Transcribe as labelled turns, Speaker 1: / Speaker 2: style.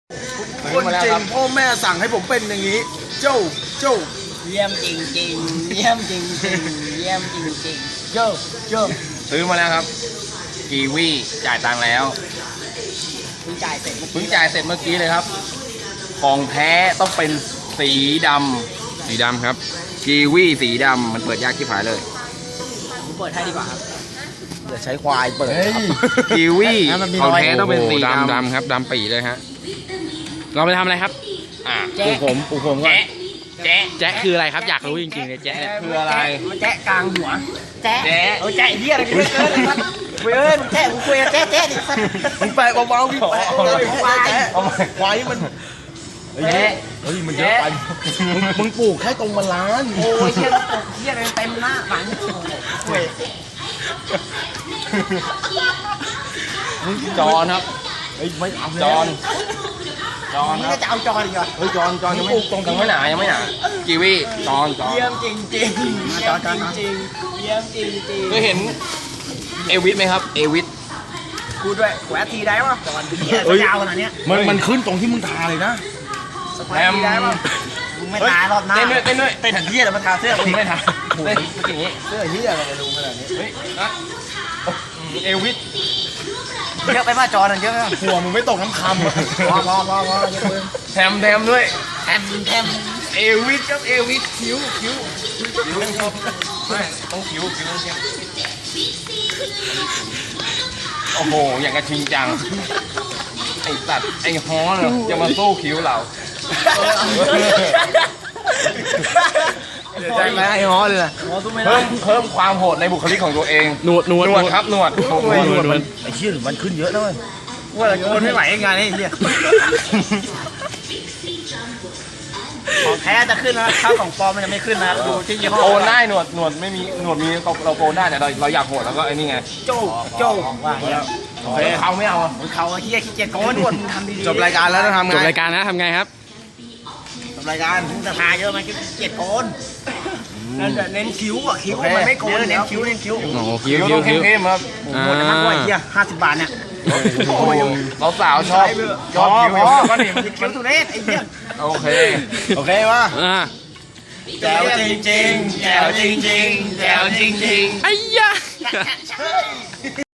Speaker 1: คนจริงพ่อแม่สั่งให้ผมเป็นอย่างนี้เจ้า
Speaker 2: เยี่ยมจริงจริงเยี่ยมจริงจริงเยี่ยมจริงจริงโจ้
Speaker 3: ซื้อมาแล้วครับกีวีจ่ายตังค์แล้ว
Speaker 2: เพิ่งจ่ายเสร็จ
Speaker 3: เพิ่งจ่ายเสร็จเมื่อกี้เลยครับของแท้ต้องเป็นสีดำครับกีวีสีดำมันเปิดยากที่ผายเลย
Speaker 2: ผมเปิดให้ดีกว่าครับ
Speaker 1: อย่าใช้ควายเปิด
Speaker 3: กีวีของแท้ต้องเป็นสีดำ
Speaker 4: ครับดำปีเลยฮะเราไปทำอะไรครับ
Speaker 3: ปลูกผมก่อน
Speaker 4: แจ๊ะคืออะไรครับอยากรู้จริงๆเลยแจ๊ะเนี่ย
Speaker 3: คืออะไร
Speaker 2: แจ๊ะกลางหัวแจ๊ะ
Speaker 3: แจ๊ะ
Speaker 2: แจ๊ะเหี้ยอะไรกันเนี่ยเว้ยแจ๊ะกูคุยกับแจ๊ะดิสัตว์
Speaker 1: มึงแปะเบาๆพี่แปะควายมัน
Speaker 3: แจ๊ะ
Speaker 1: เฮ้ยมันเยอะไปมึงปลูกแค่ตรงมันล้าน
Speaker 2: โอ้ยเหี้ยเหี้ยเต็มหน้าหลังเว้ย
Speaker 3: จอนครับ
Speaker 1: เฮ้ยไม่เอา
Speaker 3: จอน
Speaker 2: นี่
Speaker 3: ครั
Speaker 2: ก็
Speaker 3: บ
Speaker 2: จะเอาจออีกเหรอ
Speaker 1: เฮ้ยจอนยังไม่หนา
Speaker 3: ยังไม่หนากีวีจอน
Speaker 2: เยี่ยมจริงจริงเยี่ยมจริงจริงเยี่ยมจริงจริง
Speaker 3: เคยเห็นเอวิสไหมครับเอวิส
Speaker 2: กูด้วยแหวะทีได้ป่ะจอนเหี้ยยาวขนาดเนี้ย
Speaker 1: มันขึ้นตรงที่มึงทาเลยนะ
Speaker 2: สปอยทีได้ป่ะมึงไม่ตายรอบหน้า
Speaker 3: เต้นด้วยเต้น
Speaker 2: เหี้ยแล้วมาทาเสื้อ
Speaker 3: มึงไม่ทำเต้นอย่างนี้
Speaker 1: เสื้อเฮียอะไรจะรู้ขนาดนี้
Speaker 3: เฮ้ยนะเอวิส
Speaker 2: เยอะไปป่ะจอนเยอะ
Speaker 1: หัวมึงไม่ตกน้ำคำ
Speaker 2: พอเยอะเลย
Speaker 3: แถมด้วย
Speaker 2: แทม
Speaker 3: เอวิสครับเอวิสคิ้วไม่ต้องคิ้วต้องเข้มโอ้โหอย่างกระชิงจังไอ้สัตว์ไอ้ฮ้อเหรอจะมาสู้คิ้วเรา
Speaker 1: ใช่ไหมไอ้ฮอเลย
Speaker 3: เพิ่มความโหดในบุคลิกของตัวเอง
Speaker 4: หนวด
Speaker 3: ครับหนวด
Speaker 1: ไอ้เชี่ยมันขึ้นเยอะนะเว้ย
Speaker 2: ว่าคนไม่ไหวงานนี่เหี้ยของแท้จะขึ้นนะข้าวของปลอมมันจะไม่ขึ้นนะครับดูที่ยี่ห้อ
Speaker 3: โกนได้หนวดไม่มีหนวดมีเราโกนได้แต่เราอยากโหดแล้วก็ไอ้นี่ไง
Speaker 2: โจ้ว่าแล้ว
Speaker 3: เขาไม่เอาอ่ะ
Speaker 2: เขาเฮียขี้เกียจโกนหนวดมึงทำดีๆ
Speaker 1: จบรายการแล้วจะทำไง
Speaker 4: จบรายการนะทำไงครับ
Speaker 2: จบรายการมึงจะทาเยอะมันขี้เกียจโกนเน้นคิ้วอ่ะคิ้วมันไม่โกนเน้นคิ้ว
Speaker 4: โอ้โหคิ้ว
Speaker 3: ต้องเข้มๆครับ
Speaker 2: หมดนะมากกว่าเฮีย50 บาทเนี่ย
Speaker 3: เราสาวชอบคิ้วก็นี่
Speaker 2: คิ้วตุเรศไอ้เหี้ย
Speaker 3: โอเค
Speaker 1: โอเควะ
Speaker 2: แจ๋วจริงๆแจ๋วจริงๆแจ๋วจริงๆ
Speaker 4: ไอ้ยะ